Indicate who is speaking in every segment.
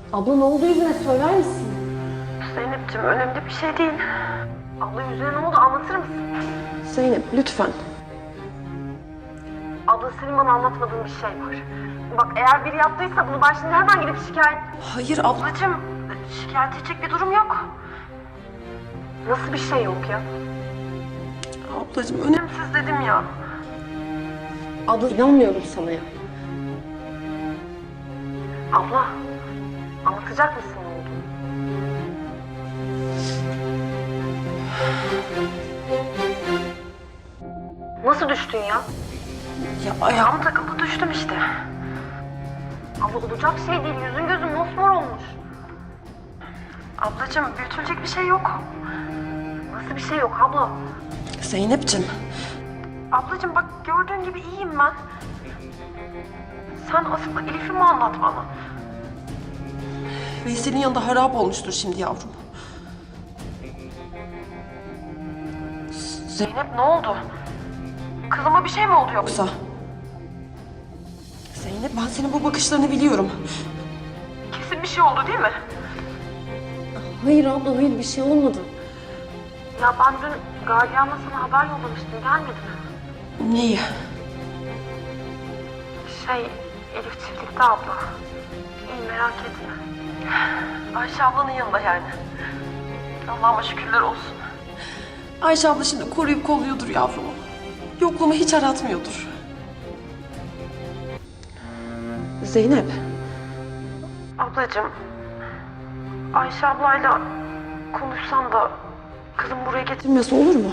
Speaker 1: Abla ne oldu yüzüne söyler misin?
Speaker 2: Zeynep'ciğim önemli bir şey değil. Abla yüzüne ne oldu anlatır mısın?
Speaker 1: Zeynep lütfen.
Speaker 2: Abla senin bana anlatmadığın bir şey var. Bak eğer biri yaptıysa bunu ben şimdi hemen gidip şikayet...
Speaker 1: Hayır abla.
Speaker 2: Ablacığım şikayet edecek bir durum yok. Nasıl bir şey yok ya?
Speaker 1: Ablacığım
Speaker 2: Önemsiz dedim ya.
Speaker 1: Abla inanmıyorum sana ya.
Speaker 2: Abla anlatacak mısın ne oldu? Nasıl düştün ya?
Speaker 1: Ya ayağım...
Speaker 2: Ayağım takıldı düştüm işte. Abla olacak şey değil, yüzün gözün mosmor olmuş. Ablacığım büyütülecek bir şey yok. Nasıl bir şey yok abla?
Speaker 1: Zeynep'ciğim.
Speaker 2: Ablacığım bak gördüğün gibi iyiyim ben. Sen aslında Elif'i mi anlat bana?
Speaker 1: Veysel'in yanında harap olmuştur şimdi yavrum.
Speaker 2: Zeynep ne oldu? Kızıma bir şey mi oldu yoksa?
Speaker 1: Yoksa... Zeynep ben senin bu bakışlarını biliyorum.
Speaker 2: Kesin bir şey oldu değil mi?
Speaker 1: Hayır abla hayır bir şey olmadı.
Speaker 2: Ya ben dün gardiyanla sana haber yollamıştım, gelmedi mi?
Speaker 1: Neyi?
Speaker 2: Elif çiftlikte abla. İyi merak etme. Ayşe ablanın yanında yani. Allah'ıma şükürler olsun.
Speaker 1: Ayşe abla şimdi koruyup kolluyordur yavrumu. Yokluğumu hiç aratmıyordur. Zeynep.
Speaker 2: Ablacığım, Ayşe ablayla konuşsan da kızım buraya getir.
Speaker 1: Bilmesi olur mu?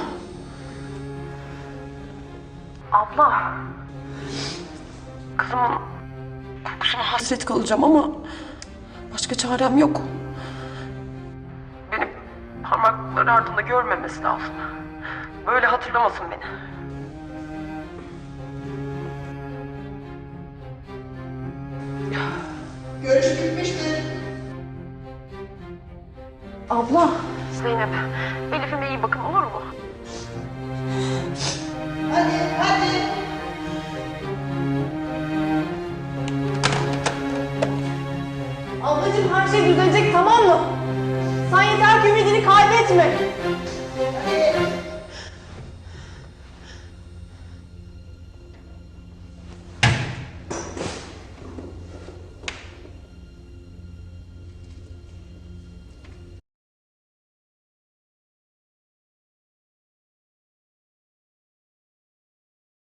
Speaker 2: Abla, kızımın kokusuna
Speaker 1: Hasret kalacağım ama başka çarem yok.
Speaker 2: benim parmakları ardında görmemesi lazım. Böyle hatırlamasın beni.
Speaker 3: Görüş bitmiştir.
Speaker 1: Abla.
Speaker 2: Zeynep, Elif'ime iyi bakın olur mu?
Speaker 3: Hadi, hadi.
Speaker 1: Ablacığım her şey düzelecek tamam mı? Sen yeter ki ümidini kaybetme.